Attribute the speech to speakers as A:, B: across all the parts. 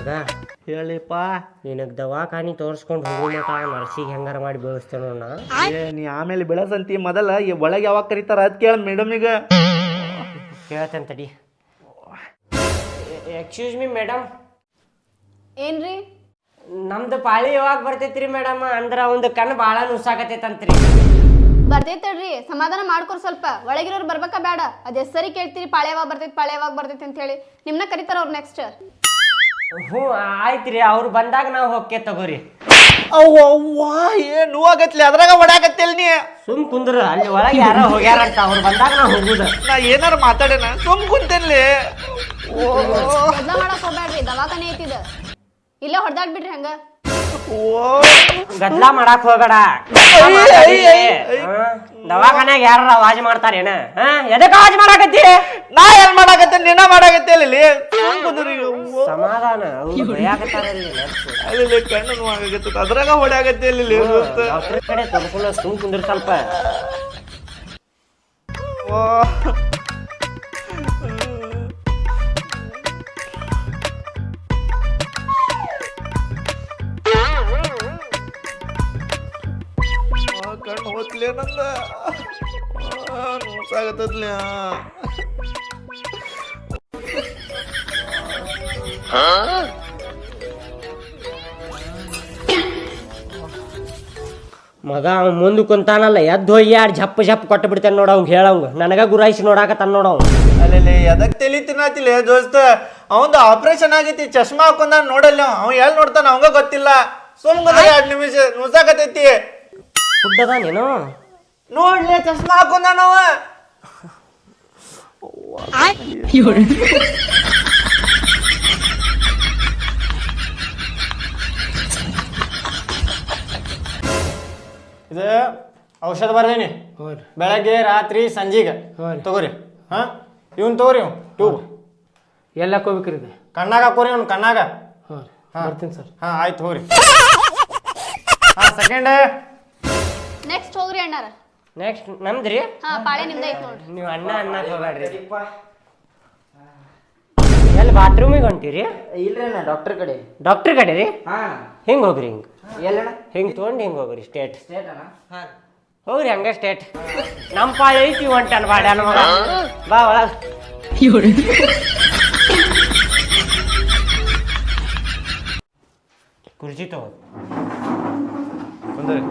A: ಮಗ
B: ಹೇಳಿಪ್ಪ.
A: ನಿನಗೆ ದವಾಖಾನಿ ತೋರಿಸ್ಕೊಂಡು ಹೋಗೋ ಮಟ ನರ್ಸಿಗೆ ಹೆಂಗಾರ ಮಾಡಿ ಬೆಳೆಸ್ತೇನೋ ನಾ.
B: ನೀ ಆಮೇಲೆ ಬೆಳಸಂತಿ ಮೊದಲ ಒಳಗೆ ಯಾವಾಗ ಕರೀತಾರ ಅದ್ ಕೇಳ ಮೇಡಮಿಗ
A: ಕೇಳ್ತೇನೆ ತಡಿ. Excuse me madam.
C: ಏನ್ರಿ?
A: ನಮ್ದು ಪಾಳಿ ಯಾವಾಗ ಬರ್ತೈತ್ರಿ ಮೇಡಮ್? ಅಂದ್ರೆ ಅವಂದು ಕಣ್ಣು ಭಾಳ ನುಸಾಕತೈತಂತ್ರಿ.
C: ಬರ್ತೈತಡ್ರಿ, ಸಮಾಧಾನ ಮಾಡ್ಕೊರ್ ಸ್ವಲ್ಪ. ಒಳಗಿರೋರು ಬರ್ಬೇಕಾ ಬೇಡ? ಅದೇ ಸರಿ ಕೇಳ್ತೀರಿ ಪಾಳೆ ಯಾವಾಗ ಬರ್ತೈತಿ ಅಂತ ಹೇಳಿ. ನಿಮ್ನ ಕರಿತಾರ ಅವ್ರು ನೆಕ್ಸ್ಟ್.
A: ಹ್ಞೂ ಆಯ್ತ್ರಿ, ಅವ್ರು ಬಂದಾಗ ನಾವು ಹೋಗ್ಕೆ ತಗೋರಿ.
B: ಅವ್ವಾ ಏನ್ ನೋವಾಗತ್ಲಿ ಅದ್ರಾಗ ಹೊಡ್ಯಾಕತ್ತಿಲ್ ನೀ.
A: ಸುಮ್ ಕುಂದ್ರ, ಅಲ್ಲಿ ಒಳಗೆ ಯಾರೋ ಹೋಗ್ಯಾರಂತ, ಅವ್ರು ಬಂದಾಗ ನಾವು ಹೋಗುದ.
B: ನಾ ಏನಾರ ಮಾತಾಡೇನ? ಸುಮ್ ಕುಂತೇನ್ಲಿ.
C: ಮೊದ್ಲ ಮಾಡಕ್ ಹೋಗ್ಬೇಡ್ರಿ, ದವಾಖಾನೆ ಐತಿದ. ಇಲ್ಲೇ ಹೊಡ್ದಾಡ್ಬಿಡ್ರಿ ಹಂಗ.
A: ಗದ್ಲಾ ಮಾಡಕ್ ಹೋಗಬೇಡ. ದವಾಖಾನ್ಯಾಗ ಯಾರ ಆವಾಜ್ ಮಾಡ್ತಾರೇನ? ಎದಕ್ಕೆ ಆವಾಜ್ ಮಾಡಾಕತ್ತಿ?
B: ನಾ ಏನ್ ಮಾಡಾಕತ್ತೆ? ನಿನ್ನ ಮಾಡಾಕತ್ತೆ ಅಲ್ಲಿ.
A: ಸಮಾಧಾನ, ಅವ್ರು ಭಯಾಕತ್ತಾರಲ್ಲಿ
B: ಅಲ್ಲಿ ಕಣ್ಣು ನೋವಾಗತ್ತೆ, ಅದ್ರಾಗ ಹೊಡ್ಯಾಕತ್ತೆ ಅಲ್ಲಿ.
A: ಡಾಕ್ಟರ್ ಕಡೆ ತೋರ್ಕೊಳ್ಳೋ, ಸುಮ್ ಕುಂದ್ರ ಸ್ವಲ್ಪ.
B: ಕಣ್ಣು ಹೋತ್ಲೆ ನಂದ ನೋಸಾಗತ್ತದ್ಲ.
A: ಮಗ ಅವ್ ಮುಂದ್ ಕುಂತಾನಲ್ಲ, ಎದ್ದು ಹೋಗಿ ಯಾರು ಜಪ್ ಜಪ್ ಕೊಟ್ಟು ಬಿಡ್ತೇನೆ ನೋಡ. ಅವ್ಗೆ ಹೇಳಂಗ ನನಗ ಗುರಾಯಿಸಿ ನೋಡಾಕತ್ತಾನ ನೋಡ.
B: ಅಲ್ಲಿ ಎದಕ್ ತಲಿ ತಿನ್ನತಿಲ್ಲ ದೋಸ್ತ? ಅವಂದು ಆಪರೇಷನ್ ಆಗೈತಿ, ಚಶ್ಮಾ ಹಾಕೊಂಡ ನೋಡಲ್ಲ. ಅವ್ ಎಲ್ಲಿ ನೋಡ್ತಾನ ಅವಂಗ ಗೊತ್ತಿಲ್ಲ. ಸುಮ್ಗ 2 ನಿಮಿಷ ನುಸಾಕತೈತಿ.
A: ಹುಡ್ಡದ ನೀನು
B: ನೋಡ್ಲಿ, ಚಶ್ಮಾ ಹಾಕೊಂಡ ನಾವ.
D: ಇದು ಔಷಧ ಬರ್ದೇನಿ, ಬೆಳಗ್ಗೆ ರಾತ್ರಿ ಸಂಜೆಗೆ ತಗೋರಿ. ಹಾ ಇವನ್ ತಗೋರಿ, ಇವ್ ಟ್ಯೂಬ್
E: ಎಲ್ಲ ಹಾಕೋಬೇಕ್ರಿ ಇದು?
D: ಕಣ್ಣಾಗ ಹಾಕೋರಿ, ಅವ್ನು ಕಣ್ಣಾಗ.
E: ಬರ್ತೀನಿ ಸರ್.
D: ಹಾ ಆಯ್ತು ಹೋಗ್ರಿ. ಹಾ ಸೆಕೆಂಡ್.
C: ನೆಕ್ಸ್ಟ್ ಹೋಗ್ರಿ ಅಣ್ಣಾರ.
A: ನೆಕ್ಸ್ಟ್ ನಮ್ದ್ರಿ.
C: ಹಾ ಪಾಳೆ ನಿಮ್ದ ಐತ್ ನೋಡ್ರಿ.
A: ನೀವು ಅಣ್ಣ ಅನ್ನಕ್ ಹೋಗ್ಬೇಡ್ರಿ. ಎಲ್ಲಿ ಬಾತ್ರೂಮಿಗೆ ಹೊಂಟಿರಿ?
F: ಇಲ್ರಿ ಅಣ್ಣ, ಡಾಕ್ಟರ್ ಕಡೆ.
A: ಡಾಕ್ಟರ್ ಕಡೆ ರೀ?
F: ಹಾ
A: ಹಿಂಗೆ ಹೋಗ್ರಿ, ಹಿಂಗೆ
F: ಎಲ್ಲಣ್ಣ?
A: ಹಿಂಗೆ ತೊಗೊಂಡು ಹಿಂಗೆ ಹೋಗ್ರಿ, ಸ್ಟೇಟ್
F: ಸ್ಟೇಟ್ ಅಣ್ಣ.
A: ಹಾಂ ಹೋಗ್ರಿ ಹಂಗೆ ಸ್ಟೇಟ್. ನಮ್ಮ ಪಾಳಿ ಐತಿ ಹೊಂಟನ್ ಬಾಡ್ಯಾನ ಮಗ. ಬಾ ಒಳಗ. ಕುರ್ಚಿ ತಗೋ.
D: ಬಂದ್ರಿ.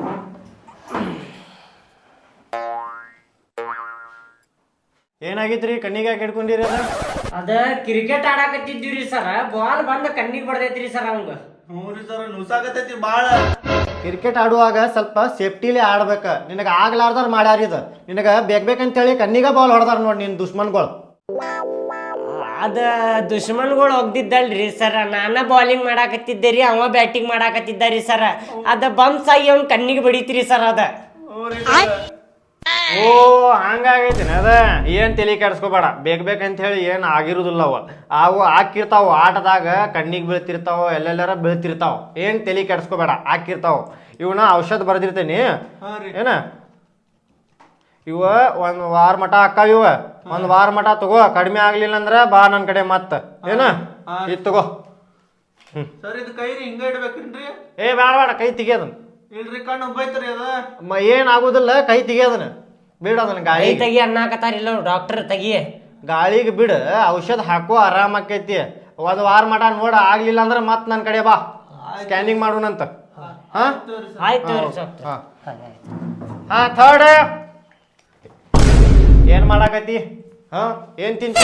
D: ಏನಾಗಿತ್ರಿ? ಕಣ್ಣಿಗೆ ಯಾಕೆ ಹಿಡ್ಕೊಂಡಿರಿ?
A: ಅದ ಕ್ರಿಕೆಟ್ ಆಡಾಕತ್ತಿದ್ದೀವ್ರಿ ಸರ್, ಬಾಲ್ ಬಂದ ಕಣ್ಣಿಗೆ ಬಡ್ದೈತ್ರಿ ಸರ್ ಅವಂಗ.
B: ಹ್ಞೂರಿ ಸರ್, ನುಸಾಕತೈತಿ ಬಾಳ.
D: ಕ್ರಿಕೆಟ್ ಆಡುವಾಗ ಸ್ವಲ್ಪ ಸೇಫ್ಟಿಲಿ ಆಡ್ಬೇಕ. ನಿನಗೆ ಆಗ್ಲಾರ್ದಾರ ಮಾಡ್ಯಾರ ಇದು. ನಿನಗೆ ಬೇಕಂತೇಳಿ ಕಣ್ಣಿಗೆ ಬಾಲ್ ಹೊಡೆದಾರ ನೋಡಿ ನಿನ್ನ ದುಶ್ಮನ್ಗಳು.
A: ಅದ ದುಶ್ಮನ್ಗಳು ಹೋಗ್ದಿದ್ದಲ್ರಿ ಸರ್, ನಾನ ಬಾಲಿಂಗ್ ಮಾಡಾಕತ್ತಿದ್ದೆ ರೀ, ಅವ ಬ್ಯಾಟಿಂಗ್ ಮಾಡಾಕತ್ತಿದ್ದ ರೀ ಸರ್. ಅದ ಬಂಪ್ಸ್ ಆಗಿ ಅವ್ನ ಕಣ್ಣಿಗೆ ಬಡಿತ್ರಿ ಸರ್ ಅದ.
D: ಓ ಹಂಗಾಗೈತಿನ ಅದ. ಏನ್ ತಲೆ ಕೆಡಿಸ್ಕೋಬೇಡ. ಬೇಕಂತ ಹೇಳಿ ಏನ್ ಆಗಿರುದಿಲ್ಲ. ಅವು ಹಾಕಿರ್ತಾವ, ಆಟದಾಗ ಕಣ್ಣಿಗೆ ಬೀಳ್ತಿರ್ತಾವ, ಎಲ್ಲೆಲ್ಲಾರ ಬೀಳ್ತಿರ್ತಾವ. ಏನ್ ತಲೆ ಕೆಡಿಸ್ಕೋಬೇಡ, ಹಾಕಿರ್ತಾವ. ಇವನ ಔಷಧ ಬರ್ದಿರ್ತೇನಿ ಏನ, ಇವ 1 ವಾರ ಮಟ ಹಾಕಾವ. ಇವ 1 ವಾರ ಮಟ ತಗೋ. ಕಡಿಮೆ ಆಗ್ಲಿಲ್ಲ ಅಂದ್ರ ಬಾ ನನ್ ಕಡೆ ಮತ್ತ ಏನ ಇದ್ ತಗೋ.
B: ಸರ್ ಇದು ಕೈ ರೀ ಹಿಂಗ ಇಡ್ಬೇಕೇನ್ರಿ?
D: ಏ ಬೇಡ, ಕೈ ತೆಗಿಯೋದನ್.
B: ಇಲ್ರಿ, ಕಣ್ಣು ಉಬ್ಬೈತ್ರಿ ಅದ.
D: ಏನ್ ಆಗುದಿಲ್ಲ, ಕೈ ತೆಗಿಯೋದನ್. ಬಿಡ ಅದನ್ನ ಗಾಳಿ
A: ತೆಗಿ ಅನ್ನಕತ್ತಾರಿಲ್ಲ ಡಾಕ್ಟರ್, ತೆಗಿ.
D: ಗಾಳಿಗೆ ಬಿಡ, ಔಷಧ ಹಾಕೋ, ಆರಾಮ ಆಕೈತಿ. 1 ವಾರ ಮಟ ನೋಡ, ಆಗ್ಲಿಲ್ಲ ಅಂದ್ರ ಮತ್ ನನ್ ಕಡೆ ಬಾ, ಸ್ಕ್ಯಾನಿಂಗ್ ಮಾಡೋಣಂತ. ಹಾ
A: ಆಯ್ತು
D: ಹಾ ಥರ್ಡ್. ಏನ್ ಮಾಡಾಕತಿ? ಹಾ ಏನ್ ತಿಂತಿ?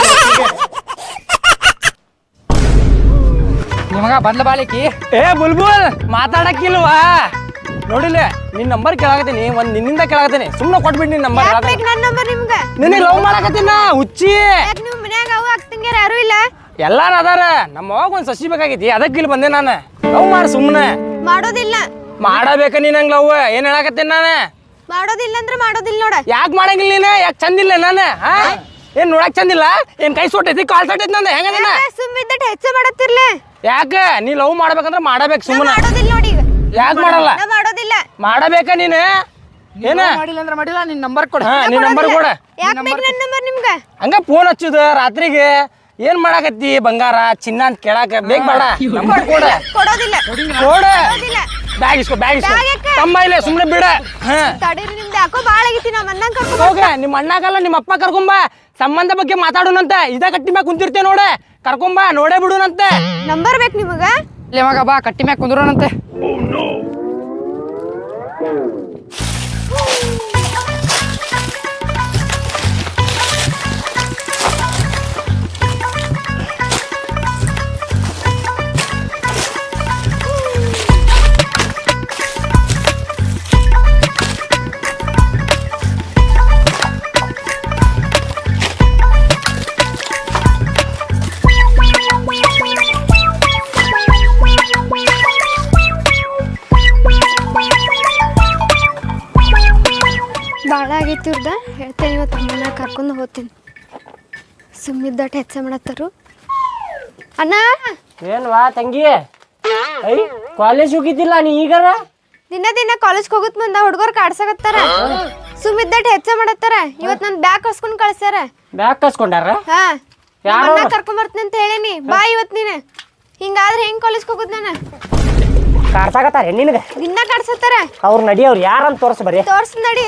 E: ನಿಮಗ ಬಂದ್ಲ ಬಾಳಿಕಿ. ಏ ಬುಲ್ಬುಲ್ ಮಾತಾಡಕ್ಕಿಲ್ವಾ? ನೋಡಿಲ್ಲ, ನಿನ್ ನಂಬರ್ ಕೇಳಾಕತ್ತೀನಿ, ನಿನ್ನಿಂದ ಕೇಳಾಕತ್ತೀನಿ. ಸುಮ್ಮನೆ ಕೊಟ್ಬಿಡ್ ನಿನ್ ನಂಬರ್.
C: ನನ್ನ ನಂಬರ್ ನಿಮ್ಗ?
E: ನಿನಗೆ ಲವ್ ಮಾಡಾಕತ್ತೀನ ಹುಚ್ಚಿ.
C: ನೀವು ಮನ್ಯಾಗ ಅವು ಅಕ್ಕಂಗ್ಯಾರ ಯಾರು ಇಲ್ಲ?
E: ಎಲ್ಲಾರ ಅದಾರ. ನಮ್ಮ ಅವಾಗ ಒಂದ್ ಸಸಿ ಬೇಕಾಗೈತಿ, ಅದಕ್ಕೆ ಇಲ್ಲಿ ಬಂದೆ ನಾನು. ಲವ್ ಮಾಡ ಸುಮ್ಮನೆ.
C: ಮಾಡೋದಿಲ್ಲ.
E: ಮಾಡಬೇಕ ನೀ ನಂಗೆ ಲವ್. ಏನ್ ಹೇಳಾಕತ್ತೀನಿ ನಾನು?
C: ಮಾಡೋದಿಲ್ಲ ಅಂದ್ರೆ ಮಾಡೋದಿಲ್ಲ ನೋಡ.
E: ಯಾಕೆ ಮಾಡಂಗಿಲ್ಲ ನೀನು? ಯಾಕೆ ಚಂದಿಲ್ಲ ನಾನು? ಹಾ ಏನ್ ನೋಡಕ್ ಚಂದಿಲ್ಲ? ಏನ್ ಕೈ ಸೊಟ್ಟೈತಿ, ಕಾಲ್ ಸೊಟ್ಟೈತಿ ನಂದ? ಹೆಂಗದ?
C: ಸುಮ್ಮಿದ್ದ ಹೆಚ್ಚ ಮಾಡತ್ತಿರ್ಲ.
E: ಯಾಕ ನೀ ಲವ್ ಮಾಡ್ಬೇಕಂದ್ರ ಮಾಡಬೇಕು ಸುಮ್ಮನೆ.
C: ಮಾಡೋದಿಲ್ಲ ನೋಡಿ.
E: ಯಾಕೆ ಮಾಡಲ್ಲ?
C: ಮಾಡೋದಿಲ್ಲ.
E: ಮಾಡಬೇಕ ನೀನು? ಏನ
F: ಮಾಡಿಲ್ಲ ಅಂದ್ರೆ ಮಾಡಿಲ್ಲ. ನಿನ್ ನಂಬರ್ ಕೊಡ.
E: ಹಾ ನಿನ್ ನಂಬರ್ ಕೊಡ.
C: ಯಾಕೆ ಬೇಕು ನನ್ನ ನಂಬರ್ ನಿಮ್ಗ?
E: ಹಂಗ ಫೋನ್ ಹಚ್ಚುದ ರಾತ್ರಿಗೆ. ಏನ್ ಮಾಡಾಕತ್ತಿ ಬಂಗಾರ ಚಿನ್ನ ಅಂತ ಕೇಳಾಕ ಬೇಗ ಬೇಡ ನಂಬರ್ ಕೊಡ
C: ಕೊಡೋದಿಲ್ಲ
E: ಕೊಡ ಬ್ಯಾಗ್ ಇಸ್ಕೊ ತಮ್ಮ ಇಲ್ಲ ಸುಮ್ನೆ ಬಿಡ
C: ತಡೀರಿ ನಿಮ್ದು ಯಾಕೋ ಬಾಳ ಆಗೈತಿ ನಮ್ಮ ಅಣ್ಣನ್ ಕರ್ಕೊಂಡ್
E: ಹೋಗ ನಿಮ್ಮ ಅಣ್ಣಗಲ್ಲ ನಿಮ್ಮ ಅಪ್ಪ ಕರ್ಕೊಂಬ ಸಂಬಂಧ ಬಗ್ಗೆ ಮಾತಾಡೋಣಂತ ಇದ ಕಟ್ಟಿ ಮ್ಯಾಗ ಕುಂತಿರ್ತೇವೆ ನೋಡೆ ಕರ್ಕೊಂಬ ನೋಡೇ ಬಿಡುನಂತೆ
C: ನಂಬರ್ ಬೇಕು ನಿಮಗ
F: ಮಗ ಬಾ ಕಟ್ಟಿ ಮ್ಯಾಗ ಕುಂದ್ರೋಣಂತೆ
C: ಭಾಳ ಆಗೈತಿ ಇವ್ರದ ಹೇಳ್ತೇನೆ ಇವತ್ತು ಅಮ್ಮನ ಕರ್ಕೊಂಡು ಹೋಗ್ತೀನಿ ಸುಮ್ಮಿದ್ದಟ್ಟು ಹೆಚ್ಚ ಮಾಡತ್ತಾರು ಅಣ್ಣ
A: ಏನ್ವಾ ತಂಗಿ ಐ ಕಾಲೇಜ್ ಹೋಗಿದ್ದಿಲ್ಲ ನೀ ಈಗಾರ
C: ದಿನ ಕಾಲೇಜ್ಗೆ ಹೋಗುತ್ತ ಮುಂದ ಹುಡುಗರು ಕಾಡ್ಸಕತ್ತಾರ ಸುಮ್ಮಿದ್ದಟ್ಟು ಹೆಚ್ಚ ಮಾಡತ್ತಾರ ಇವತ್ತು ನನ್ನ ಬ್ಯಾಗ್ ಕಸ್ಕೊಂಡ್ ಕಳ್ಸ್ಯಾರ
A: ಬ್ಯಾಗ್ ಕಸ್ಕೊಂಡಾರ
C: ಹಾ
A: ಯಾರು?
C: ಅಣ್ಣ ಕರ್ಕೊಂಡ್ ಬರ್ತೀನಿ ಅಂತ ಹೇಳೀನಿ ಬಾ ಇವತ್ತು ನೀನು ಹಿಂಗಾದ್ರೆ ಹೆಂಗ್ ಕಾಲೇಜ್ಗೆ ಹೋಗುದ್ ನಾನು
A: ಕಾಡ್ಸಾಕತ್ತಾರ ನಿನಗೆ
C: ದಿನ ಕಾಡ್ಸತ್ತಾರ
A: ಅವ್ರು ನಡಿ ಅವ್ರು ಯಾರಂತ ತೋರ್ಸ ಬರೀ
C: ತೋರ್ಸ್ ನಡಿ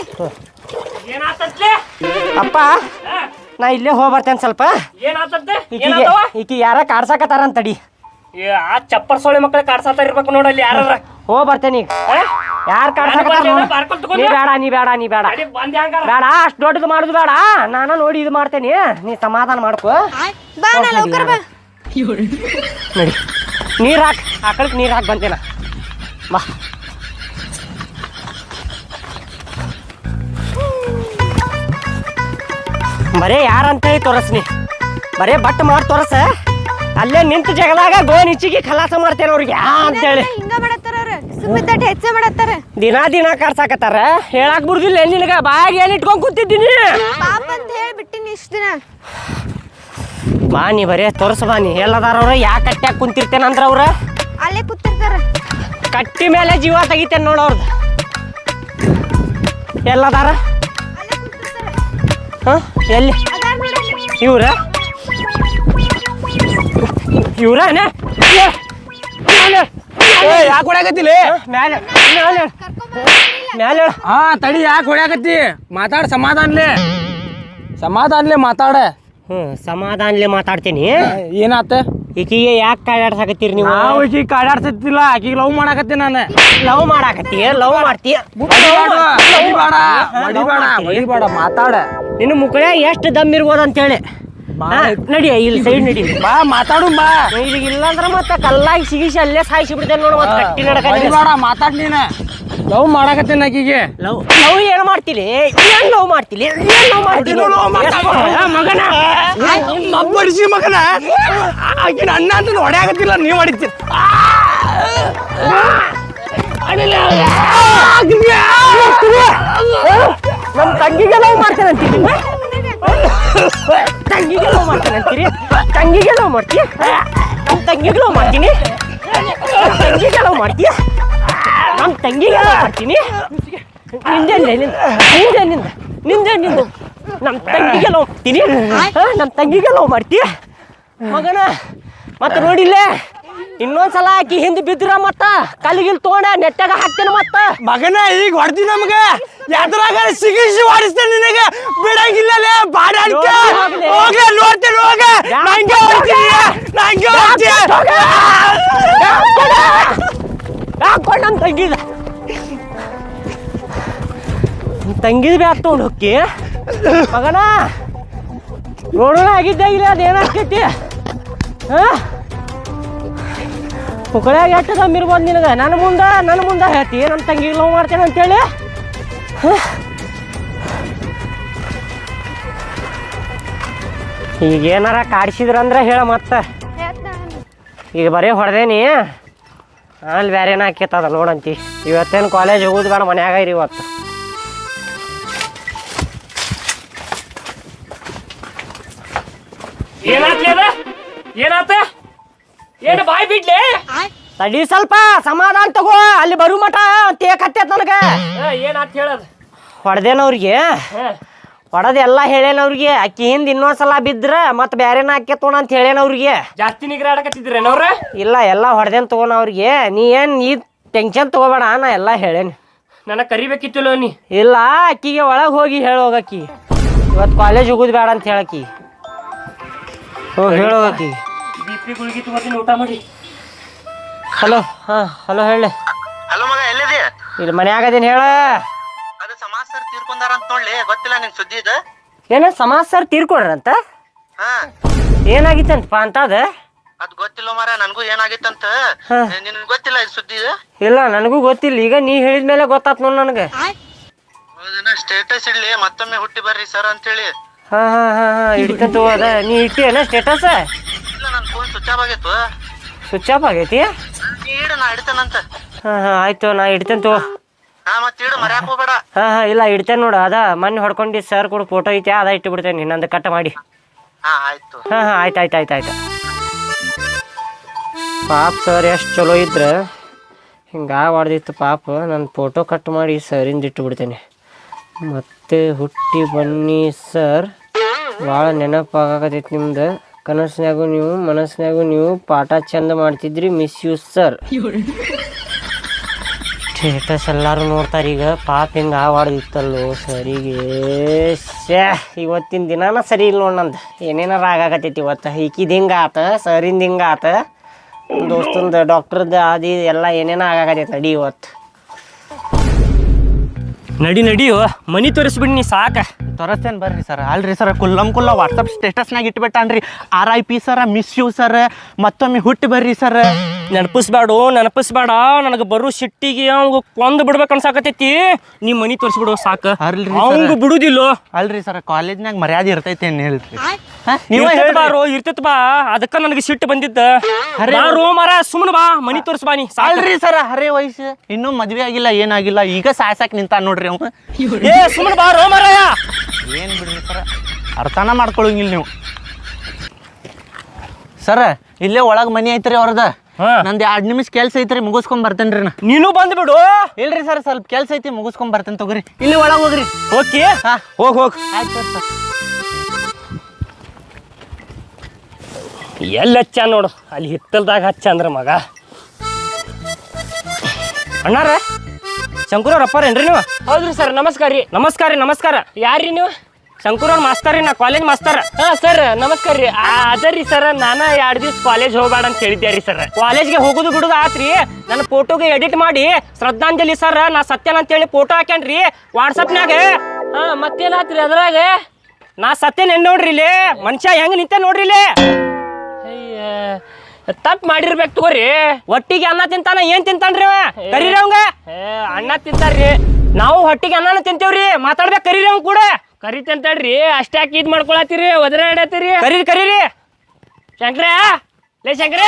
A: ಅಪ್ಪ ನಾ ಇಲ್ಲೇ ಹೋಗಿ ಬರ್ತೇನೆ ಸ್ವಲ್ಪ ಈಕಿ ಯಾರ ಕಾಡ್ಸಾಕತ್ತಾರ ಅಂತಡಿ
E: ಆ ಚಪ್ಪರ್ ಸೊಳ್ಳೆ ಮಕ್ಕಳು ಕಾಡ್ಸಾತ ಇರ್ಬೇಕು ನೋಡಲ್ಲಿ ಯಾರ
A: ಹೋಗಿ ಬರ್ತೇನೆ ಈಗ ಯಾರು ಕಾಡ್ಸಾಕತ್ತಾರ ನೀ ಬೇಡ ಬೇಡ ಅಷ್ಟು ದೊಡ್ಡದು ಮಾಡುದು ಬೇಡ ನಾನು ನೋಡಿ ಇದು ಮಾಡ್ತೇನೆ ನೀ ಸಮಾಧಾನ ಮಾಡ್ಕೋ
C: ಬಾ ನಾ ಲೌಕರ್ ಬಾ
A: ನಡಿ ನೀರ್ ಹಾಕ್ ಆಕಳಕ್ಕೆ ನೀರ್ ಹಾಕಿ ಬಂತೇನ ಬಾ ಬರೇ ಯಾರಂತೇಳಿ ತೋರಸ್ನಿ ಬರೇ ಬಟ್ ಮಾಡಿ ತೋರಸ ಅಲ್ಲೇ ನಿಂತು ಜಗದಾಗ ಗೋನ್ ಇಚ್ಚಿಗೆ ಖಲಾಸ ಮಾಡ್ತೇನೆ ಅವ್ರಿಗೆ ಅಂತೇಳಿ
C: ಹಿಂಗ ಮಾಡತ್ತಾರ ಅವ್ರ ಸುಮ್ಮಿದ್ದಟ್ಟು ಹೆಚ್ಚ ಮಾಡತ್ತಾರ
A: ದಿನ ಕಾಡ್ಸಾಕತ್ತಾರ ಹೇಳಾಕ್ ಬಿಡುದಿಲ್ಲ ನಿನಗ ಬಾಯಾಗ ಏನ್ ಇಟ್ಕೊಂಡ್ ಕೂತಿದ್ದೀನಿ
C: ಪಾಪ ಅಂತ ಹೇಳಿ ಬಿಟ್ಟಿನಿ ಇಷ್ಟ ದಿನ
A: ಬಾ ನೀ ಬರೇ ತೋರ್ಸ ಬಾ ನೀ ಎಲ್ಲದಾರ ಅವ್ರ ಯಾಕೆ ಕಟ್ಟ್ಯಾಗ ಕುಂತಿರ್ತೇನಂದ್ರ ಅವ್ರ
C: ಅಲ್ಲೇ ಕೂತಿರ್ತಾರ
A: ಕಟ್ಟಿ ಮೇಲೆ ಜೀವ ತೆಗಿತೇನೆ ನೋಡ ಅವ್ರದ್ದು ಎಲ್ಲದಾರ
C: ಅಲ್ಲೇ ಕೂತಿರ್ತಾರ
A: ಹ ಎಲ್ಲಿ
C: ಅದಾರ ನೋಡಲ್ಲಿ
A: ಇವ್ರ ಇವ್ರನೇ
E: ಯಾಕೆ ಹೊಡ್ಯಾಕತ್ತಿಲ್ಲ
A: ಮ್ಯಾಲೆ ಮ್ಯಾಲೆ
E: ಹಾ ತಡಿ ಯಾಕೆ ಹೊಡ್ಯಾಕತ್ತಿ ಸಮಾಧಾನ್ಲೆ ಮಾತಾಡ
A: ಸಮಾಧಾನ್ಲೆ ಮಾತಾಡ್ತೀನಿ
E: ಏನಾತ
A: ಈಕಿಗೆ ಯಾಕೆ ಕಾಡಾಡ್ಸಾಕತ್ತೀರಿ ನೀವು
E: ನಾವು ಈಕಿ ಕಾಡಾಡ್ಸತ್ತಿಲ್ಲ ಆಕಿಗೆ ಲವ್ ಮಾಡಾಕತ್ತಿ ನಾನು
A: ಲವ್ ಮಾಡಾಕತ್ತೀಯ ಲವ್ ಮಾಡ್ತೀಯ
E: ಹೊಡಿಬೇಡ ಮಾತಾಡ
A: ನಿನ್ನ ಮುಕ್ಕಳ ಎಷ್ಟು ದಮ್ ಇರ್ಬೋದು ಅಂತೇಳಿ ನಡಿ ಇಲ್ಲಿ ಸೈಡ್ ನಡಿ
E: ಬಾ ಮಾತಾಡು ಬಾ
A: ಈಗ ಇಲ್ಲಾಂದ್ರ ಮತ್ತೆ ಕಲ್ಲಾಗಿ ಸಿಗಿಸಿ ಅಲ್ಲೇ ಸಾಯಿಸಿ ಬಿಡ್ತೇನೆ ನೋಡು ಮತ್ತೆ ಕಟ್ಟಿ
E: ಹೊಡಿಬೇಡ ಮಾತಾಡ್ ನೀನ ಲವ್ ಮಾಡಾಕತ್ತೀನಿ ಆಕಿಗೆ
A: ಲವ್ ಲವ್ ಏನ್ ಮಾಡ್ತೀರಿ ಏನ್ ಲವ್ ಮಾಡ್ತೀರಿ ಮಗನ
E: ಬಡಿಸಿ ಮಗನ ಆಕಿನ ಅಣ್ಣ ಅಂತ ಹೊಡ್ಯಾಕತ್ತಿಲ್ಲ ನೀವ್ ಹೊಡಿತೀರಿ
A: ನಮ್ ತಂಗಿಗೆ ಲವ್ ಮಾಡ್ತೇನೆ ಅಂತೀರಿ ತಂಗಿಗೆ ಲವ್ ಮಾಡ್ತೇನೆ ಅಂತೀರಿ ತಂಗಿಗೆ ಲವ್ ಮಾಡ್ತೀಯ ನಮ್ ತಂಗಿಗೆ ಲವ್ ಮಾಡ್ತೀನಿ ತಂಗಿಗೆ ಲವ್ ಮಾಡ್ತೀಯ ನಮ್ ತಂಗಿಗೆ ಲವ್ ಮಾಡ್ತೀನಿ ನಿಂದೆ ನಮ್ ತಂಗಿಗೆ ಲವ್ ಮಾಡ್ತೀನಿ ನಮ್ ತಂಗಿಗೆ ಲವ್ ಮಾಡ್ತೀಯ ಮಗನ ಮತ್ತೆ ನೋಡಿಲ್ಲೇ ಇನ್ನೊಂದ್ಸಲ ಆಕಿ ಹಿಂದೆ ಬಿದ್ರ ಮತ್ತ ಕಲ್ಲಿಗಿಲ್ ತಗೊಂಡ ನೆಟ್ಟಾಗ ಹಾಕ್ತೇನೆ ಮತ್ತ
E: ಮಗನ ಈಗ ಹೊಡ್ದಿ ನಮ್ಗ ಎದ್ರಾಗ ಸಿಗಿಸಿ ಹೊಡಿಸ್ತೇನೆ ನಿನಗೆ ಬಿಡಂಗಿಲ್ಲಲೇ ಬಾಡಾಡ್ಕ ಹೋಗ ನೋಡ್ತೇನೆ ಹೋಗ ನಂಗೆ ಹೊಡ್ತೀನಿ
A: ಹಾಕೊಂಡು ನಮ್ಮ ತಂಗಿದ ತಂಗಿದ ಬ್ಯಾಗ್ ತೊಗೊಂಡು ಹೋಗಿ ಮಗನ ನೋಡೋಣ ಆಗಿದ್ದ ಇಲ್ಲ ಅದೇನಾಗ್ತೈತಿ ಮುಕ್ಕಳ್ಯಾಗ ಎಷ್ಟು ದಮ್ ಇರ್ಬೋದು ನಿನಗೆ ನನ್ನ ಮುಂದೆ ಹೇಳ್ತಿ ನನ್ನ ತಂಗಿಗೆ ಲವ್ ಮಾಡ್ತೇನೆ ಅಂತೇಳಿ ಈಗ ಏನಾರ ಕಾಡಿಸಿದ್ರಂದ್ರೆ ಹೇಳ ಮತ್ತೆ ಈಗ ಬರೀ ಹೊಡೆದೇನಿ ಅಲ್ಲಿ ಬೇರೆ ಏನ ಆಕೇತದ ನೋಡಂತಿ ಇವತ್ತೇನು ಕಾಲೇಜ್ ಹೋಗೋದು ಬೇಡ ಮನ್ಯಾಗ ಇರಿ ಇವತ್ತು
E: ಏನಾತ ಏನು ಬಾಯ್ ಬಿಡ್ಲಿ
A: ತಡಿ ಸ್ವಲ್ಪ ಸಮಾಧಾನ ತಗೋ ಅಲ್ಲಿ ಬರು ಮಠ ತೇಕ್ ಹತ್ತೈತ್ ನನಗೆ
E: ಏನಾತ್ ಹೇಳದ
A: ಹೊಡೆದೇನವ್ರಿಗೆ ಹೊಡದೆಲ್ಲ ಹೇಳೇನ ಅವ್ರಿಗೆ ಅಕ್ಕಿ ಹಿಂದ್ ಇನ್ನೊಂದ್ಸಲ ಬಿದ್ರ ಮತ್ ಬ್ಯಾರೇನ ಹಾಕ್ಯತೋಣ ಅಂತ ಹೇಳೇನ ಅವ್ರಿಗೆ.
E: ಜಾಸ್ತಿ ನಿಗ್ರಾಡಕತ್ತಿದ್ರೇನವ್ರ?
A: ಇಲ್ಲ ಎಲ್ಲ ಹೊಡೆದೇನ್ ತಗೋಣ ಅವ್ರಿಗೆ. ನೀ ಏನ್ ನೀ ಟೆನ್ಷನ್ ತಗೋಬೇಡ, ನಾ ಎಲ್ಲ ಹೇಳೇನಿ.
E: ನನಗೆ ಕರಿಬೇಕಿತ್ತಲ್ಲ ನೀ.
A: ಇಲ್ಲ ಅಕ್ಕಿಗೆ ಒಳಗೆ ಹೋಗಿ ಹೇಳೋಗಕ್ಕಿ ಇವತ್ತು ಕಾಲೇಜ್ ಹೋಗುದು ಬೇಡ ಅಂತ ಹೇಳಕ್ಕಿ. ಹೋಗಿ ಹೇಳೋಗಕ್ಕಿ.
E: BP ಗುಳಿಗೆ ತಗೋತೀನಿ, ಊಟ ಮಾಡಿ.
A: ಹಲೋ ಹಲೋ ಹೇಳಿ.
B: ಹಲೋ ಮಗ, ಎಲ್ಲಿದೆ?
A: ಇಲ್ಲಿ ಮನ್ಯಾಗದೇನು ಹೇಳ.
B: ಅದು ಸಮಾಜ ಸರ್ ತೀರ್ಕೊಂಡಾರ ಅಂತ ನೋಡ್ಲಿ, ಗೊತ್ತಿಲ್ಲ ನಿನ್ ಸುದ್ದಿ ಇದು?
A: ಏನ ಸಮಾಜ ಸರ್ ತೀರ್ಕೊಡ್ರಂತ?
B: ಹಾ,
A: ಏನಾಗಿತ್ತಂತಪ್ಪ ಅಂತ ಅದ?
B: ಅದ್ ಗೊತ್ತಿಲ್ಲ ಮಾರ, ನನ್ಗೂ ಏನಾಗಿತ್ತಂತ. ನಿನ್ ಗೊತ್ತಿಲ್ಲ ಇದು ಸುದ್ದಿ ಇದು?
A: ಇಲ್ಲ ನನಗೂ ಗೊತ್ತಿಲ್ಲ, ಈಗ ನೀ ಹೇಳಿದ್ಮೇಲೆ ಗೊತ್ತಾತ್ ನೋಡ್ ನನಗೆ.
B: ಸ್ಟೇಟಸ್ ಇಡ್ಲಿ, ಮತ್ತೊಮ್ಮೆ ಹುಟ್ಟಿ ಬರ್ರಿ ಸರ್ ಅಂತೇಳಿ.
A: ಹಾ ಹಿಡಿತಂತ ಅದ. ನೀ ಇಟ್ಟಿಯೇನ ಸ್ಟೇಟಸ್?
B: ಇಲ್ಲ, ನನ್ ಫೋನ್ ಸ್ವಿಚ್ ಆಫ್ ಆಗಿತ್ತು.
A: ಸ್ವಿಚ್ ಆಫ್ ಆಗೈತಿ?
B: ನೀ ಇಡು, ನಾ ಇಡ್ತೇನಂತ.
A: ಹಾ ಆಯ್ತು, ನಾ ಇಡ್ತೇನೆ ತಗೋ.
B: ಹಾ, ಮತ್ ಇಡು, ಮರ್ಯಾಕ್ ಹೋಗ್ಬೇಡ.
A: ಇಲ್ಲ ಇಡ್ತೇನೆ ನೋಡು. ಅದ ಮೊನ್ನೆ ಹೊಡ್ಕೊಂಡು ಸರ್ ಕೂಡ ಫೋಟೋ ಐತೆ, ಅದ ಇಟ್ಟು ಬಿಡ್ತೇನೆ ಇನ್ನೊಂದು ಕಟ್ ಮಾಡಿ.
B: ಹಾ ಆಯ್ತು.
A: ಆಯ್ತು. ಪಾಪ ಸರ್ ಎಷ್ಟು ಚಲೋ ಇದ್ರ ಹಿಂಗೆ ಹೊಡೆದಿತ್ತು ಪಾಪ. ನಾನು ಫೋಟೋ ಕಟ್ ಮಾಡಿ ಸರಿಂದ ಇಟ್ಟು ಬಿಡ್ತೇನೆ. ಮತ್ತೆ ಹುಟ್ಟಿ ಬನ್ನಿ ಸರ್, ಭಾಳ ನೆನಪಾಗತೈತಿ ನಿಮ್ದು. ಕನಸಿನಾಗೂ ನೀವು ಮನಸ್ಸಿನಾಗೂ ನೀವು ಪಾಠ ಚಂದ ಮಾಡ್ತಿದ್ರಿ, ಮಿಸ್ ಯು ಸರ್. ಸ್ಟೇಟಸ್ ಎಲ್ಲರೂ ನೋಡ್ತಾರೆ ಈಗ. ಪಾಪ ಹಿಂಗೆ ಹೊಡೆದಿತ್ತಲ್ಲೋ ಸರಿಗೆ. ಇವತ್ತಿನ ದಿನಾನ ಸರಿ ಇಲ್ಲ ನೋಡಿ ನಂದು. ಏನೇನಾರ ಆಗಾಕತ್ತೈತಿ ಇವತ್ತು. ಈಕಿದ ಹಿಂಗೆ ಆತ, ಸರಿಂದ ಹಿಂಗೆ ಆತ, ದೋಸ್ತಂದು ಡಾಕ್ಟ್ರದ್ದು ಅದು ಎಲ್ಲ ಏನೇನೋ ಆಗಾಕತ್ತೈತಿ. ನಡಿ ಇವತ್ತು
E: ನಡಿಯೋ ಮನಿ ತೋರಿಸ್ಬಿಡಿ ನೀ ಸಾಕ.
G: ತೋರಿಸ್ತೇನೆ ಬರ್ರಿ ಸರ್. ಅಲ್ರಿ ಸರ್, ಕುಲ್ಲ ವಾಟ್ಸಪ್ ಸ್ಟೇಟಸ್ನಾಗ ಇಟ್ಬಿಟ್ಟಾನ್ರಿ. RIP sir, miss you sir, ಮತ್ತೊಮ್ಮೆ ಹುಟ್ಟಿ ಬರ್ರಿ ಸರ್.
E: ನೆನಪಿಸ್ಬೇಡ. ನನಗೆ ಬರೋ ಸಿಟ್ಟಿಗೆ ಅವಂಗ ಕೊಂದು ಬಿಡ್ಬೇಕು ಅನ್ಸಾಕತೈತಿ. ನೀ ಮನಿ ತೋರಿಸ್ಬಿಡು ಸಾಕ.
G: ಅಲ್ರಿ
E: ಅವಂಗ ಬಿಡುದಿಲ್ಲ.
G: ಅಲ್ರಿ ಸರ್, ಕಾಲೇಜ್ನಾಗ ಮರ್ಯಾದೆ ಇರ್ತೈತಿ ಏನ್ ಹೇಳ್ರಿ?
E: ಇರ್ತೈತಿ ಬಾ, ಅದಕ್ಕ ನನಗೆ ಸಿಟ್ಟು ಬಂದಿದ್ದ. ಮರ ಸುಮ್ಮನೆ ಬಾ, ಮನಿ ತೋರಿಸ್ ಬಾ ನೀ.
G: ಅಲ್ರಿ ಸರ್, ಹರೇ ವಯಸ್ಸು, ಇನ್ನೂ ಮದ್ವೆ ಆಗಿಲ್ಲ, ಏನಾಗಿಲ್ಲ, ಈಗ ಸಾಯ್ಸಾಕ್ ನಿಂತ ನೋಡ್ರಿ ಅವ.
E: ಸುಮ್ಮನೆ ಬಾ ರೋ ಮರ.
G: ಏನ್ ಬಿಡ್ರಿ ಸರ್, ಅರ್ಥನ ಮಾಡ್ಕೊಳಂಗಿಲ್ಲ ನೀವು. ಸರ್, ಇಲ್ಲೇ ಒಳಗ್ ಮನಿ ಐತ್ರಿ ಅವ್ರದ. ನಂದು 2 ನಿಮಿಷ ಕೆಲ್ಸ ಐತ್ರಿ, ಮುಗಿಸ್ಕೊಂಡ್ ಬರ್ತೇನ್ರಿ ನಾ.
E: ನೀನು ಬಂದ್ಬಿಡು.
G: ಇಲ್ರಿ ಸರ್, ಸ್ವಲ್ಪ ಕೆಲ್ಸ ಐತಿ, ಮುಗಿಸ್ಕೊಂಡ್ ಬರ್ತೇನೆ ತಗೋರಿ. ಇಲ್ಲಿ ಒಳಗ್ ಹೋಗ್ರಿ.
E: ಓಕೆ, ಹೋಗ್.
G: ಆಯ್ತು ಸರ್.
E: ಎಲ್ಲಿ ಹಚ್ಚ ನೋಡು, ಅಲ್ಲಿ ಹಿತ್ತಲ್ದಾಗ ಹಚ್ಚ ಅಂದ್ರ ಮಗ. ಅಣ್ಣಾರ ಶಂಕರವ್ರ ಅಪ್ಪಾರೇನ್ರಿ ನೀವು? ಹೌದ್ರಿ ಸರ್. ನಮಸ್ಕಾರ. ಯಾರ್ರಿ ನೀವು? ಶಂಕರವ್ರ ಮಾಸ್ತರ್ ರೀ, ನಾ ಕಾಲೇಜ್ ಮಾಸ್ತರ. ಸರ್ ನಮಸ್ಕಾರ ರೀ. ಅದರಿ ಸರ್, ನಾನು 2 ದಿವ್ಸ ಕಾಲೇಜ್ ಹೋಗ್ಬೇಡ ಅಂತ ಹೇಳಿದ್ದೆ ರೀ ಸರ್. ಕಾಲೇಜ್ಗೆ ಹೋಗುದು ಬಿಡುದು ಆತ್ರಿ. ನನ್ನ ಫೋಟೋಗೆ ಎಡಿಟ್ ಮಾಡಿ ಶ್ರದ್ಧಾಂಜಲಿ ಸರ್ ನಾ ಸತ್ಯನ ಅಂತೇಳಿ ಫೋಟೋ ಹಾಕ್ಯಾನ್ರಿ ವಾಟ್ಸಪ್ನಾಗ. ಮತ್ತೇನಾತ್ರಿ ಅದ್ರಾಗ? ನಾ ಸತ್ಯನ ನೋಡ್ರಿ ಇಲ್ಲಿ, ಮನುಷ್ಯ ಹೆಂಗ್ ನಿಂತ ನೋಡ್ರಿ ಇಲ್ಲಿ. ತಪ್ಪು ಮಾಡಿರ್ಬೇಕು ತಗೋರಿ. ಒಟ್ಟಿಗೆ ಅನ್ನ ತಿಂತಾನ, ಏನ್ ತಿಂತಾನ್ರಿ ಅವ? ಕರೀರಿ ಅವಂಗ. ಅನ್ನ ತಿಂತಾರ್ರಿ. ನಾವು ಹೊಟ್ಟಿಗೆ ಅನ್ನನ ತಿಂತೇವ್ರಿ, ಮಾತಾಡ್ಬೇಕು ಕರೀರಿ ಅವ್ ಕೂಡ. ಕರಿತಂತಾಡ್ರಿ, ಅಷ್ಟಾಕಿ ಇದ್ ಮಾಡ್ಕೊಳತ್ತೀರಿ, ಒದರಾಡತ್ತೀರಿ. ಕರೀರಿ ಶಂಕ್ರ. ಲೇ ಶಂಕ್ರ,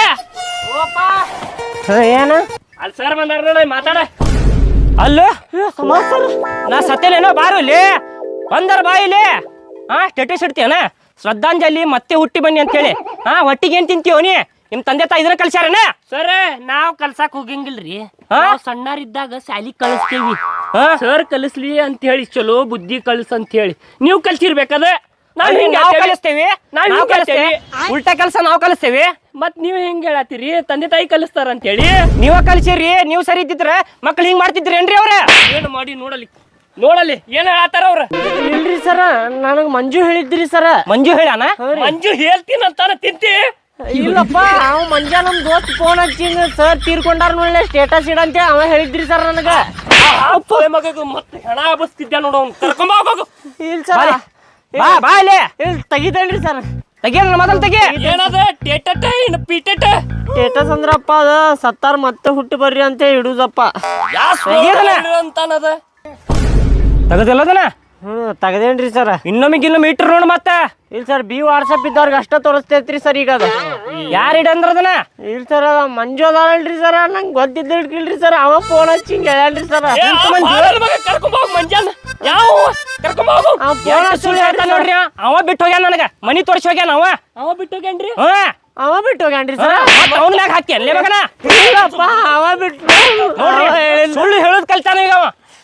A: ಏನು
E: ಅಲ್ಲಿ ಸರ್ ಬಂದಾರ ನೋಡಿ, ಮಾತಾಡ. ಅಲ್ಲೋ ನಾ ಸತ್ತೇನೇನೋ, ಬಾರು ಇಲ್ಲಿ ಬಂದಾರ, ಬಾ ಇಲ್ಲಿ. ಸ್ಟೇಟಸ್ ಇಡ್ತೀಯನ ಶ್ರದ್ಧಾಂಜಲಿ ಮತ್ತೆ ಹುಟ್ಟಿ ಬನ್ನಿ ಅಂತೇಳಿ. ಹೊಟ್ಟಿಗೆ ಏನ್ ತಿಂತೀವ ನೀ? ನಿಮ್ ತಂದೆ ತಾಯಿ ಇದನ್ನ ಕಲ್ಸ್ಯಾರನ? ಸರ್ ನಾವ್ ಕಲ್ಸಾಕ್ ಹೋಗಂಗಿಲ್ರಿ. ಸಣ್ಣರಿದ್ದಾಗ ಶಾಲಿ ಕಳಿಸ್ತೇವಿ. ಸರ್ ಕಲಿಸ್ಲಿ ಅಂತ ಹೇಳಿ, ಚಲೋ ಬುದ್ಧಿ ಕಲ್ಸ್ ಅಂತ ಹೇಳಿ ನೀವು ಕಲ್ಸಿರ್ಬೇಕದ. ನಾವ್ ಕಲಿಸ್ತೇವಿ. ಉಲ್ಟಾ ಕೆಲಸ ನಾವ್ ಕಲಿಸ್ತೇವಿ. ಮತ್ ನೀವ್ ಹೆಂಗ್ ಹೇಳತ್ತೀರಿ ತಂದೆ ತಾಯಿ ಕಲಿಸ್ತಾರ ಅಂತ ಹೇಳಿ? ನೀವ ಕಲ್ಸಿರಿ. ನೀವು ಸರಿ ಇದ್ದಿದ್ರ ಮಕ್ಳು ಹಿಂಗ್ ಮಾಡ್ತಿದ್ರಿ ಏನ್ರಿ ಅವ್ರ? ಏನು ಮಾಡಿ ನೋಡಲಿ ಏನ್ ಹೇಳತ್ತಾರ ಅವ್ರ?
A: ಇಲ್ರಿ ಸರ, ನನಗೆ ಮಂಜು ಹೇಳಿದ್ರಿ ಸರ.
E: ಮಂಜು ಹೇಳಾನ? ಮಂಜು ಹೇಳ್ತೀನಂತಾನ ತಿಂತಿ?
A: ಇಲ್ಲಪ್ಪ, ಅವ ಮಂಜ ನಮ್ ದೋಸ್ತ್ ಫೋನ್ ಹಚ್ಚಿಂದ ಸರ್ ತೀರ್ಕೊಂಡಾರ ನೋಡ್ಲೆ ಸ್ಟೇಟಸ್ ಇಡಂತ ಅವ ಹೇಳಿದ್ರಿ ಸರ್ ನನಗ.
E: ಮತ್ತೆ ಹೆಣ ಬಸ್ತಿದ್ದ ನೋಡು, ಅವ್ನು ಕರ್ಕೊಂಡ್ ಹೋಗು.
A: ಇಲ್ಲ ಸರ್,
E: ಬಾ ಇಲ್ಲಿ.
A: ತೆಗಿತೇನ್ರಿ ಸರ್.
E: ತೆಗಿಯ ಮೊದಲು ತೆಗಿ. ಏನದ
A: ಸ್ಟೇಟಸ್ ಅಂದ್ರಪ್ಪ ಅದ ಸತ್ತಾರ ಮತ್ತೆ ಹುಟ್ಟಿ ಬರ್ರಿ ಅಂತ ಇಡುದಪ್ಪ.
E: ಅಂತಾನದ ತಗದಿಲ್ಲದನ?
A: ತೆಗದೇನ್ರಿ ಸರ್.
E: ಇನ್ನೊಮ್ಮೆ ಇಟ್ರ ನೋಡ್ ಮತ್ತ.
A: ಇಲ್ಲ ಸರ್, ಬಿ ವಾಟ್ಸಪ್ ಇದ್ದವ್ರಿಗೆ ಅಷ್ಟ ತೋರಿಸ್ತೈತ್ರಿ ಸರ್ ಈಗ ಅದ.
E: ಯಾರು ಇಡಂದ್ರದನ?
A: ಇಲ್ಲ ಸರ್, ಮಂಜು ಅದಾಳಲ್ರಿ ಸರ್, ನಂಗೆ ಗೊತ್ತಿದ್ದಿಲ್ರಿ ಸರ್. ಅವ ಫೋನ್ ಹಚ್ಚಿ ಹಿಂಗೆ ಹೇಳ್ರಿ ಸರ್.
E: ಕರ್ಕೊಂಬೋಗ್ ಮಂಜಾನ. ಯಾವ ಸುಳ್ಳು ಹೇಳ್ತಾನ ನೋಡ್ರಿ. ಅವ ಬಿಟ್ಟು ಹೋಗ್ಯಾನ, ನನಗ ಮನಿ ತೋರಿಸಿ ಹೋಗ್ಯಾನ. ಅವ ಬಿಟ್ಟು ಹೋಗ್ಯಾನ್ರಿ.
A: ಅವ ಬಿಟ್ಟು ಹೋಗ್ಯಾನ್ರಿ ಸರ್.
E: ಅವನ ಮ್ಯಾಗ ಹಾಕಿ ಅಲ್ಲೇ ಮಗನ.
A: ಇಲ್ಲಪ್ಪ, ಅವ ಬಿಟ್ಟು
E: ನೋಡ್ರಿ, ಸುಳ್ಳು ಹೇಳೋದ್ ಕಲ್ತಾನ ಈಗ ಅವ.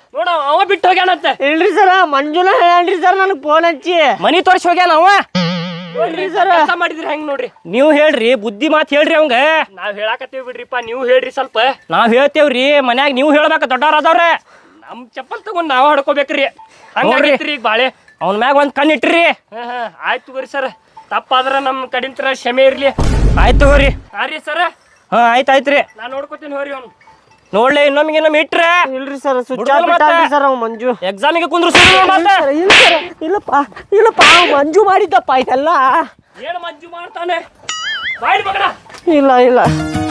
E: ನೋಡ ಅವ ಬಿಟ್ಟು ಹೋಗ್ಯಾನಂತ.
A: ಇಲ್ರಿ ಸರ ಮಂಜುನ ಹೇಳ್ರಿ ಸರ್ ನನಗೆ ಫೋನ್ ಹಚ್ಚಿ
E: ಮನಿ ತೋರಿಸಿ ಹೋಗ್ಯಾನ ಅವ. ನೋಡ್ರಿ ಸರ್ ಕೆಲಸ ಮಾಡಿದ್ರಿ ಹೆಂಗ್ ನೋಡ್ರಿ. ನೀವು ಹೇಳ್ರಿ ಬುದ್ಧಿ ಮಾತು ಹೇಳ್ರಿ ಅವಂಗ. ನಾವ್ ಹೇಳಾಕತ್ತೀವಿ ಬಿಡ್ರಿಪ್ಪ, ನೀವು ಹೇಳ್ರಿ ಸ್ವಲ್ಪ. ನಾವ್ ಹೇಳ್ತೇವ್ರಿ ಮನ್ಯಾಗ, ನೀವು ಹೇಳ್ಬೇಕ ದೊಡ್ಡವ್ರ ಅದಾವ್ರೆ. ನಮ್ ಚಪ್ಪಲ್ ತಗೊಂಡ್ ನಾವ್ ಹೊಡ್ಕೋಬೇಕ್ರಿ. ಹಂಗಾಗೈತ್ರಿ ಈಗ ಬಾಳೆ. ಅವನ ಮ್ಯಾಗ ಒಂದ್ ಕಣ್ಣು ಇಟ್ರಿ. ಆಯ್ತು ತಗೋರಿ ಸರ್, ತಪ್ಪಾದ್ರ ನಮ್ ಕಡಿಂತ್ರ ಕ್ಷಮೆ ಇರ್ಲಿ. ಆಯ್ತು ತಗೋರಿ. ಹಾ ರೀ ಸರ್. ಹಾ ಆಯ್ತು ಆಯ್ತ್ರಿ, ನಾನ್ ನೋಡ್ಕೋತೀನಿ ಹೋರಿ ಅವ್ನು. ನೋಡ್ಲಿ ಇನ್ನೊಮ್ಮೆ ಇಟ್ರೆ.
A: ಇಲ್ರಿ ಸರ್ ಸ್ವಿಚ್ ಆಫ್ ಬಿಟ್ಟಾನ್ರಿ ಸರ್ ಅವ್ ಮಂಜು.
E: ಎಕ್ಸಾಮಿಗೆ ಕುಂದ್ರಿಸಿ
A: ಇಲ್ಲಪ್ಪ ಅವ್ ಮಂಜು ಮಾಡಿದ್ದಪ್ಪ ಇದೆಲ್ಲ.
E: ಏನು ಮಂಜು ಮಾಡ್ತಾನೆ? ಬಾಯ್ಲಿ ಮಗನ.
A: ಇಲ್ಲ